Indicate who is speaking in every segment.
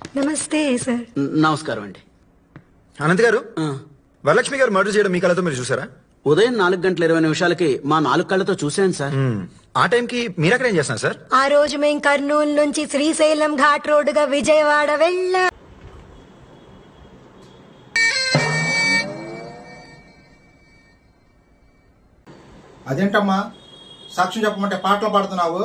Speaker 1: నమస్తే సార్.
Speaker 2: నమస్కారం అండి.
Speaker 3: అనంత్ గారు, వరలక్ష్మి గారు మర్డర్ చేయడం మీ కళ్ళతో మీరు చూసారా?
Speaker 2: ఉదయం 4:20 మా 4 కళ్ళతో చూశాను సార్.
Speaker 3: ఆ టైంకి మీరక్కడ ఏం చేస్తున్నారు సార్?
Speaker 1: ఆ రోజు మేం కర్నూలు నుంచి శ్రీశైలం ఘాట్ రోడ్డుగా విజయవాడ వెళ్ళా.
Speaker 4: అదేంటమ్మా సాక్ష్యం చెప్పమంటే పాటలు పాడుతున్నావు?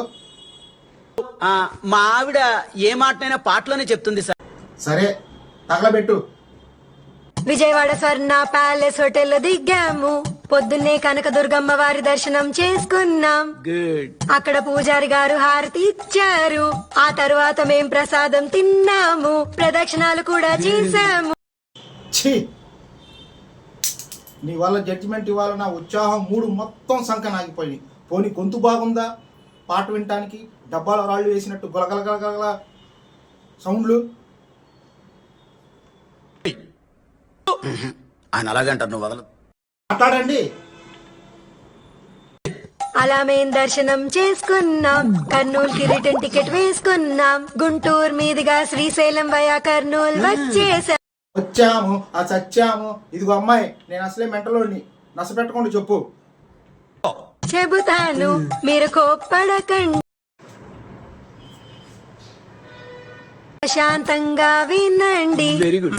Speaker 2: మా ఆవిడ ఏ మాటనైనా పాటలోనే చెప్తుంది సార్.
Speaker 4: సరే తగలబెట్టు.
Speaker 1: విజయవాడ స్వర్ణ ప్యాలెస్ హోటల్ లో దిగాము. పొద్దున్నే కనకదుర్గమ్మ వారి దర్శనం చేసుకున్నాం.
Speaker 2: గుడ్.
Speaker 1: అక్కడ పూజారి గారు హారతి ఇచ్చారు. ఆ తర్వాత మేం ప్రసాదం తిన్నాము. ప్రదక్షిణాలు కూడా చేశాము.
Speaker 4: ఛీ, నీ వల్ల జడ్జిమెంట్ ఇవ్వాల నా ఉత్సాహం మూడు మొత్తం సంకనాగిపోయింది. పోనీ గొంతు బాగుందా పాట వినటానికి? డబ్బాలో రాళ్ళు వేసినట్టు గొలగలగలగల సౌండ్లు.
Speaker 2: ఆయన అలాగంటారు, నువ్వు వదలదు.
Speaker 4: మాట్లాడండి.
Speaker 1: అలా మేం దర్శనం చేసుకున్నాం. కర్నూలుకి రిటర్న్ టికెట్ వేసుకున్నాం. గుంటూరు మీదుగా శ్రీశైలం వయా కర్నూలు వచ్చేసాం.
Speaker 4: వచ్చాము ఆ సచ్చాము. ఇదిగో అమ్మాయి, నేను అసలే మెంటలోని, నసపెట్టకుండా చెప్పు.
Speaker 1: చెబుతాను, మీరు కోప్పడకండి. ప్రశాంతంగా వినండి.
Speaker 2: Very good.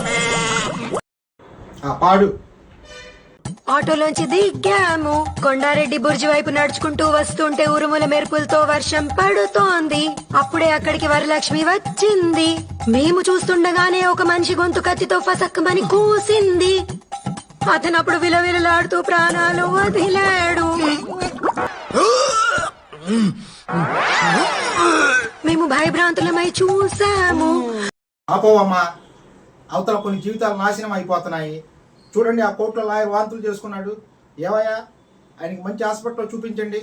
Speaker 4: పాడు.
Speaker 1: ఆటోలోంచి దిగాము. కొండారెడ్డి బుర్జి వైపు నడుచుకుంటూ వస్తుంటే ఉరుముల మెరుపులతో వర్షం పడుతోంది. అప్పుడే అక్కడికి వరలక్ష్మి వచ్చింది. మేము చూస్తుండగానే ఒక మనిషి గొంతు కత్తితో ఫసక్కమని కూసింది. అతను అప్పుడు విలవిలలాడుతూ ప్రాణాలు వదిలాడు. మేము భయభ్రాంతులమై చూసాము.
Speaker 4: ఆపోవమ్మా, అవతల కొన్ని జీవితాలు నాశనం అయిపోతున్నాయి. చూడండి, ఆ కోర్టులో లాయర్ వాంతులు చేసుకున్నాడు. ఏవయ్యా, ఆయనకి మంచి హాస్పిటల్లో చూపించండి.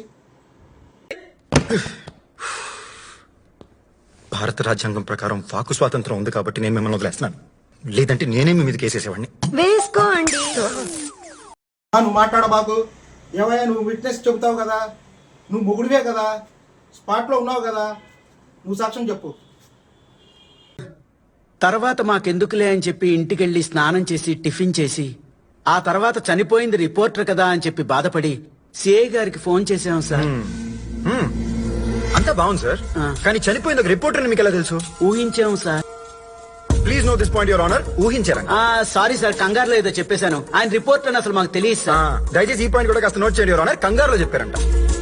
Speaker 3: భారత రాజ్యాంగం ప్రకారం వాకు స్వాతంత్రం ఉంది కాబట్టి నేను మిమ్మల్ని వదిలేస్తున్నాను. లేదంటే నేనే మీ మీద కేసేసేవాడిని.
Speaker 1: వేసుకోండి.
Speaker 4: నువ్వు మాట్లాడబాకు. ఏవయ్యా, నువ్వు విట్నెస్ చెబుతావు కదా, నువ్వు మొగుడివే కదా, స్పాట్లో ఉన్నావు కదా, నువ్వు సాక్ష్యం చెప్పు.
Speaker 2: తర్వాత మాకెందుకులే అని చెప్పి ఇంటికెళ్ళి స్నానం చేసి టిఫిన్ చేసి ఆ తర్వాత చనిపోయింది రిపోర్టర్ కదా అని చెప్పి బాధపడి సిఐ గారికి ఫోన్ చేసాం సార్.
Speaker 3: అంతా బాగుంది సార్, కానీ చనిపోయింది ఒక రిపోర్టర్ మీకు ఎలా తెలుసు?
Speaker 2: ఊహించాం sir.
Speaker 3: Please no this point your honour. ఊహించారా?
Speaker 2: సారీ సార్, కంగారులో ఏదో చెప్పేశాను. ఆయన రిపోర్టర్ అని అసలు మాకు తెలియదు సార్.
Speaker 3: దయచేసి ఈ పాయింట్ కూడా కాస్త నోట్ చేయండి యువర్ ఆనర్. కంగారులో చెప్పారంట.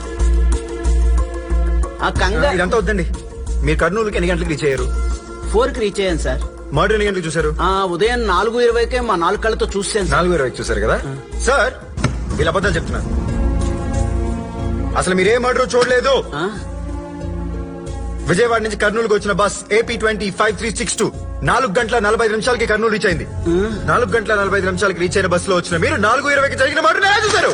Speaker 3: ఇదంతా వద్దండి. మీరు కర్నూలుకి ఎన్ని గంటలకు రీచ్ అయ్యారు?
Speaker 2: 4కి రీచ్ అయ్యాను సార్.
Speaker 3: మర్డర్ ఎన్ని గంటలకు చూసారు?
Speaker 2: ఉదయం 4:20కే మా 4 కళ్ళతో చూసాను.
Speaker 3: 4:20 చూసారు కదా సార్? వీళ్ళ అబద్ధాలు చెప్తున్నారు. అసలు మీరే మర్డర్ చూడలేదు. విజయవాడ నుంచి కర్నూలుకి వచ్చిన బస్ AP-20-5362 4:45 కర్నూలు రీచ్ అయింది. 4:45 రీచ్ అయిన బస్ లో వచ్చిన మీరు 4:20కి జరిగిన మర్డర్ ఎలా చూసారు?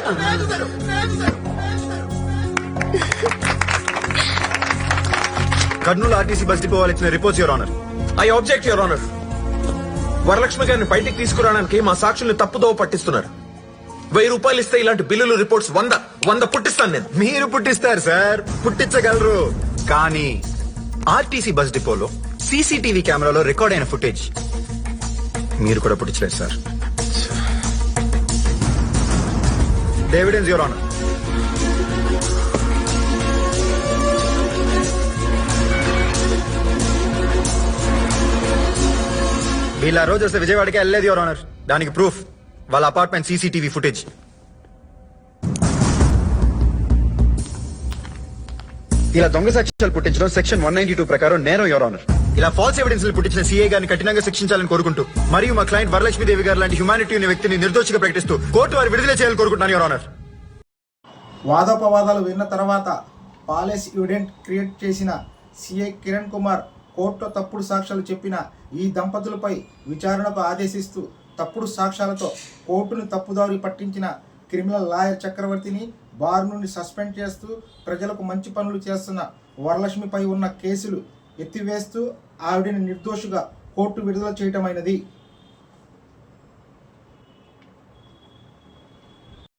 Speaker 3: కర్నూలు ఆర్టీసీ బస్ డిపో వాళ్ళు ఇచ్చిన reports your honour.
Speaker 5: I object your honour. Varalakshmi గారిని బయటికి తీసుకురావడానికి మా సాక్షుల్ని తప్పుదోవ పట్టిస్తున్నారు. 1000 రూపాయలు ఇస్తే ఇలాంటి బిల్లులు రిపోర్ట్స్ 100 పుట్టిస్తాను నేను.
Speaker 3: మీరు పుట్టిస్తారు సార్, పుట్టించగలరు. కానీ ఆర్టీసీ బస్ డిపోలో సీసీటీవీ కెమెరాలో రికార్డ్ అయిన ఫుటేజ్ మీరు కూడా పుట్టించలేదు సార్. Evidence your honour. వీళ్ళ రోజు వస్తే విజయవాడకి వెళ్ళలేదు యువర్ ఆనర్. దానికి ప్రూఫ్ వాళ్ళ అపార్ట్మెంట్ సీసీటీవీ ఫుటేజ్. ఇలా దొంగ సాక్ష్యాలు పుట్టించడం సెక్షన్ 192 ప్రకారం నేరం యువర్ ఆనర్. ఇలా ఫాల్స్ ఎవిడెన్స్ పుట్టించిన సీఏ గారిని కఠినంగా శిక్షించాలని కోరుకుంటూ మరియు మా క్లయింట్ వరలక్ష్మీదేవి గారు లాంటి హ్యుమానిటీ ఉన్న వ్యక్తిని నిర్దోషిగా ప్రకటిస్తూ కోర్టు వారు విడుదల చేయాలని కోరుకుంటున్నాను యువర్ ఆనర్.
Speaker 4: వాదోపవాదాలు విన్న తర్వాత పాలెస్ ఎవిడెంట్ క్రియేట్ చేసిన సిఐ కిరణ్ కుమార్ కోర్టులో తప్పుడు సాక్ష్యాలు చెప్పిన ఈ దంపతులపై విచారణకు ఆదేశిస్తూ తప్పుడు సాక్ష్యాలతో కోర్టును తప్పుదారి పట్టించిన క్రిమినల్ లాయర్ చక్రవర్తిని బార్ నుండి సస్పెండ్ చేస్తూ ప్రజలకు మంచి పనులు చేస్తున్న వరలక్ష్మిపై ఉన్న కేసులు ఎత్తివేస్తూ ఆవిడని నిర్దోషిగా కోర్టు విడుదల చేయటమైనది.